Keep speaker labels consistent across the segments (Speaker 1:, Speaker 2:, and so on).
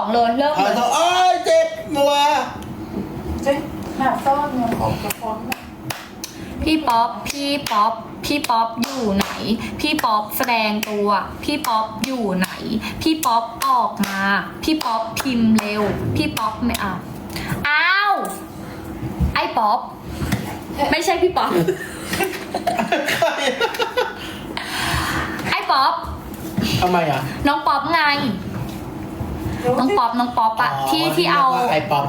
Speaker 1: 2เลยเริ่ม
Speaker 2: เอา
Speaker 1: เลย
Speaker 2: เถอะโอ้ยเจ็บมัว
Speaker 3: เจ๊หาซ่อนเงินของกระป๋องนะ
Speaker 1: พี่ป๊อปอยู่ไหน พี่ป๊อปแสดงตัว พี่ป๊อปอยู่ไหน พี่ป๊อปออกมา พี่ป๊อปพิมพ์เร็ว พี่ป๊อปไม่อ้าวไอ้ป๊อปไม่ใช่พี่ป๊อป
Speaker 2: ใคร
Speaker 1: ไอ้ป๊อป
Speaker 2: ทำไมอ่ะ
Speaker 1: น้องป๊อปไง น้องป๊อปอะ
Speaker 2: อ๋อ
Speaker 1: ที่เอา
Speaker 2: เรียกว่าไอ้ป๊อป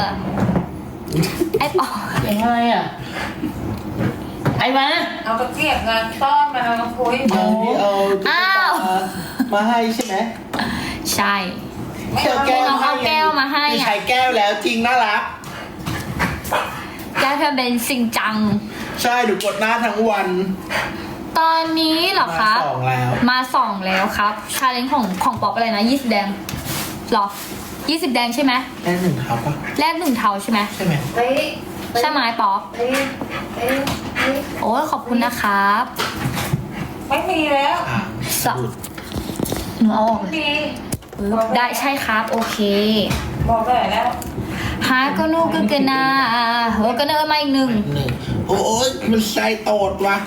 Speaker 1: ไอ้ป๊อป
Speaker 4: ยังไงอ่ะไอ้มา
Speaker 3: เอาตะเกียบเงินซ่อนมาเอาคุย
Speaker 2: เดี๋ยวนี้เอาตุ๊กตามาให้ใช่ไหม
Speaker 1: ใช่
Speaker 3: ไม่เอา
Speaker 1: น้องเอาแก้วมาให้
Speaker 2: มี
Speaker 1: อะ
Speaker 2: ใช้แก้วแล้วจริงน่ารัก
Speaker 1: แก้วเธอเป็นสิ่งจัง
Speaker 2: ใช่ดูกดหน้าทั้งวัน
Speaker 1: ตอนนี้เหรอคะ
Speaker 2: มาสองแล้ว
Speaker 1: มา2แล้วครับชาเลนจ์ของป๊อปอะไรนะ20แดงหรอ20แดงใช่ไหม
Speaker 2: ได้หนึ่งเท้าปะ
Speaker 1: แรก1เทาใช่ไหม
Speaker 2: ใช่ไหม
Speaker 3: เต้
Speaker 1: ใช่ไหมป๊อป
Speaker 3: เต้เต้เต้
Speaker 1: โอ้ยขอบคุณนะครับ
Speaker 3: ไม่มีแล้ว
Speaker 2: อ่า
Speaker 1: สับหนูเอาออก
Speaker 3: ไม่
Speaker 1: เลย
Speaker 3: มี
Speaker 1: ปึ๊บได้ใช่ครับโอเค
Speaker 3: บอกได้แล้ว
Speaker 1: ฮาก็นูกึกนาเฮ้ก็เนอมาอีกหนึ่ง
Speaker 2: หนึ่งโอ้ยมันใส่โตดวะ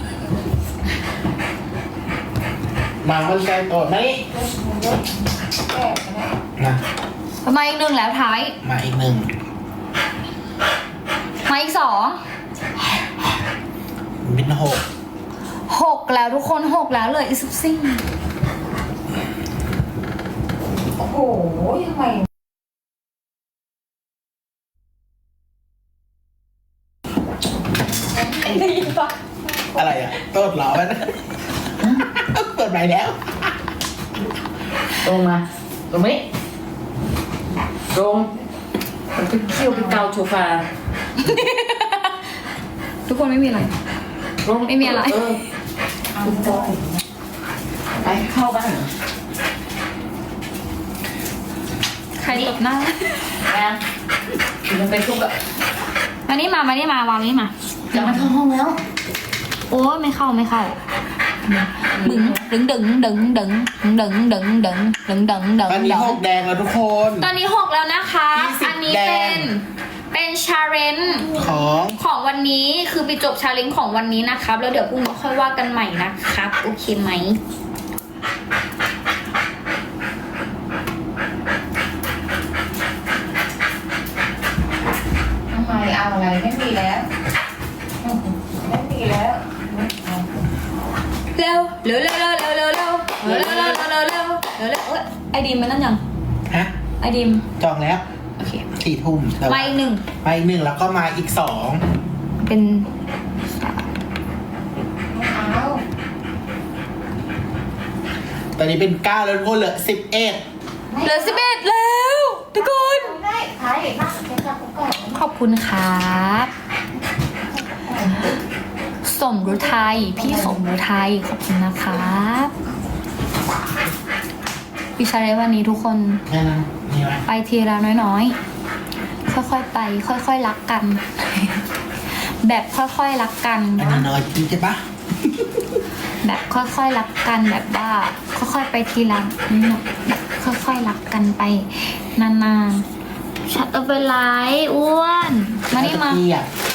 Speaker 2: มามันใส่โตดไหม
Speaker 3: แก้ไปนะ
Speaker 2: นะ
Speaker 1: มาอีกหนึ่งแล้วท้าย
Speaker 2: มาอีกหนึ่ง
Speaker 1: มาอีก
Speaker 2: เป็นหก
Speaker 1: 6แล้วทุกคน6แล้วเหลยอีก14
Speaker 3: โอ้โหทำไม ได้ยินปะ
Speaker 2: อะไรอ่ะโตดเหรอมันเปิดใหม่แล้ว
Speaker 4: ตรงมาตรงนี้ตรงมันไปเคี่ยวไปเกาโชฟา
Speaker 1: ทุกคนไม่มีอะไร
Speaker 4: ลง
Speaker 1: ไม่มีอะไร
Speaker 3: เอาจอย
Speaker 4: ไปเข้าบ้าน
Speaker 1: ใครตบหน้า
Speaker 4: นะมันไปทุกอะ
Speaker 1: มานี่มาวางนี่มา
Speaker 4: จะมาเข้าห้องแล้ว
Speaker 1: โอ้ไม่เข้าบึ้งดึงดึงดึงดึงดึงดึงดึงดึงดึงดึง
Speaker 2: ตอนนี้หกแดงแล้วทุกคน
Speaker 1: ตอนนี้6แล้วนะคะ
Speaker 2: 20
Speaker 1: อันนี้
Speaker 2: แด
Speaker 1: เป็
Speaker 2: ง
Speaker 1: นชาเลนจ์
Speaker 2: ของ
Speaker 1: ของวันนี้คือไปจบชาเลนจ์ของวันนี้นะครับ แล้วเดี๋ยวพรุ่งนี้ค่อยว่ากันใหม่นะครับ โอเคไหม
Speaker 3: ทำไมเอาอะไรไม่มีแล้วไม่มีแล้ว
Speaker 1: เร็วเร็วเร็วเร็วเร็วเร็วเร็วเร็วเร็วเร็วเร็วเร็วเร็วเร็วเอ้ยไอดีมมันนั่นยัง
Speaker 2: ฮะ
Speaker 1: ไอดีม
Speaker 2: จองแล้ว
Speaker 1: โอเค
Speaker 2: 4 ทุ่มแต่
Speaker 1: มา
Speaker 2: ว่า
Speaker 1: อีกหนึ่ง
Speaker 2: มาอีกหนึ่งแล้วก็มาอีกสอง
Speaker 1: เป็น
Speaker 3: ไม่เอา
Speaker 2: ตอนนี้เป็น9แล้วทุกคนเหลือ11
Speaker 1: เหลือ11แล้วทุกคน
Speaker 3: ได้ใครนั่งเป็นกับก่อน
Speaker 1: ขอบคุณครับสมฤทัยพี่สมฤทัยขอบคุณนะครับวิชาเลนจ์วันนี้ทุกคน
Speaker 2: แค่นั้นนี่ไหม
Speaker 1: ไปทีละน้อยๆ ค่อยๆไป ค่อยๆรักกัน แบบค่อยๆรักกัน
Speaker 2: อันนี้น้อยจริงใช่ปะ
Speaker 1: แบบค่อยๆรักกันแบบว่า ค่อยๆไปทีละนิดแบบค่อยๆรักกันไปนานๆชัดเอาไปไลฟ์อ้วนมานี่มา
Speaker 2: ตะกี้อ่ะ